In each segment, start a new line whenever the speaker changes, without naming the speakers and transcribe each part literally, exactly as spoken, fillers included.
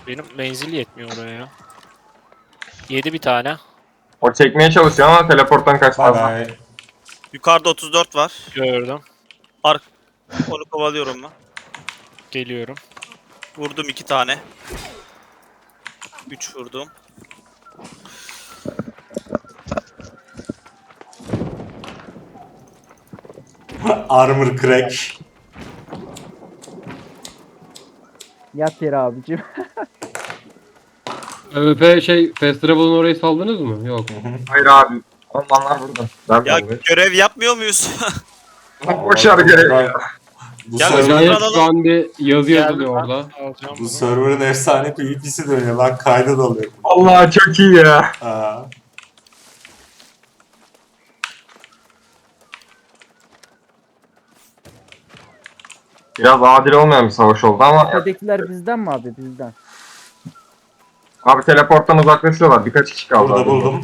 Benim menzil yetmiyor oraya. Yedi bir tane.
O çekmeye çalışıyor ama teleporttan
Bay
kaçmaz.
bay.
Yukarıda otuz dört var.
Gördüm.
Ark. Onu kovalıyorum ben.
Geliyorum.
Vurdum iki tane. Üç vurdum.
Armor crack.
Yat yere abicim.
ÖVP şey Fast Travel'ın orayı saldınız mı? Yok.
Hayır abi. Onlar burada. Ben
Ya
buradayım.
görev yapmıyor muyuz?
Boşver görev ya.
Bu,
Gel
server,
Acayip
alalım.
şu an bir yazı
Geldim
yazılıyor
ben.
orada.
Alacağım
bu
bunu.
server'ın efsane PvP'si dönüyor lan, kayda dalıyor.
Allah çok iyi ya.
Aa.
Biraz adil olmayan bir savaş oldu ama
Tepedekiler bizden mi abi bizden?
abi teleporttan uzaklaşıyorlar. Birkaç kişi kaldı.
Burada
abi.
buldum.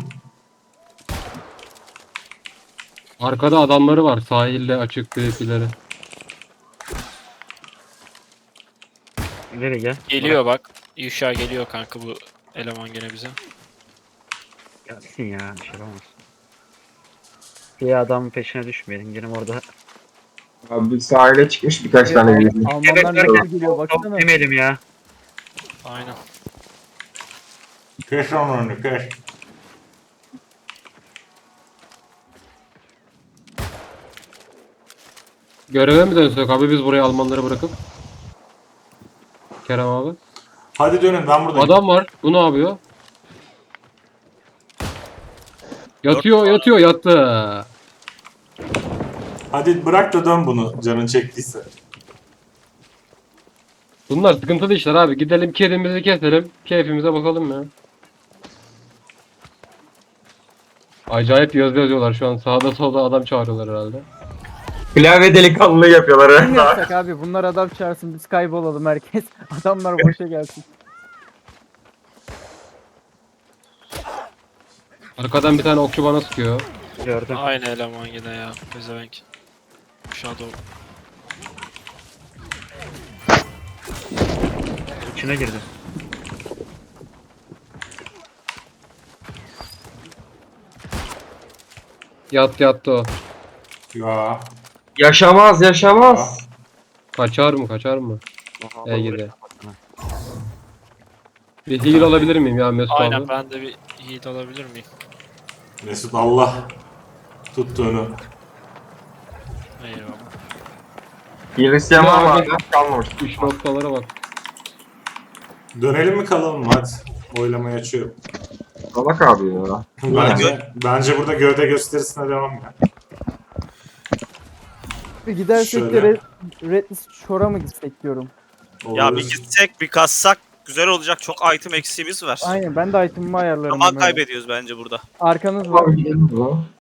Arkada adamları var sahilde açık PvP'leri.
Nereye gel?
Geliyor bak. Yuşa geliyor kanka bu eleman gene bize.
Gelsin ya. Bir şey olmaz. Bir adamın peşine düşmeyelim. Gelin orada.
Abi bir sahile çıkmış birkaç tane bir.
Almanlar
Evet,
nasıl geliyor baksana.
Demeyelim ya.
Aynen.
Keş onun önünü, keş.
Göreve mi dönsek abi biz buraya Almanları bırakıp? Kerem abi.
Hadi dönün, ben buradayım.
Adam var. Bu ne yapıyor? Yatıyor yatıyor yattı.
Hadi bırak da dön bunu, canın çektiyse.
Bunlar sıkıntılı işler abi. Gidelim kedimizi keselim. Keyfimize bakalım ya. Acayip yazı yazıyorlar şu an. Sağda solda adam çağırıyorlar herhalde.
Klavye delikanlılığı yapıyorlar.
Kim
ha.
yapsak abi bunlar adam çağırsın biz kaybolalım herkes. Adamlar boşa gelsin.
Arkadan bir tane okçu bana sıkıyor.
Gördüm.
Aynı eleman yine ya. Pezevenk. Shadow.
İçine girdi.
Yattı yattı o.
Ya.
Yaşamaz yaşamaz.
Kaçar mı kaçar mı?
Oha,
E
bak
gibi.
buraya kapatsana.
Bir heal alabilir miyim ya Mesut
Aynen
abi?
ben de bir yiğit alabilir miyim?
Mesut Allah tuttuğunu.
Eyvallah.
Hristiyan var mı
Ya
abi? Kalmamış.
Üç noktalara bak.
Dönelim mi kalalım mı? Hadi. Oylamayı açıyorum.
Salak abi ya.
Bence, bence burada gövde gösterisine devam ya.
Bir gidersek de
Şöyle.
Red, Redlist Shore'a mı gitsek diyorum.
Ya
Olur.
bir gitsek bir kassak güzel olacak. Çok item eksiğimiz var.
Aynen ben de item'ımı ayarlarım.
Zaman
hemen.
kaybediyoruz bence burada.
Arkanız var.
Abi gidelim o zaman.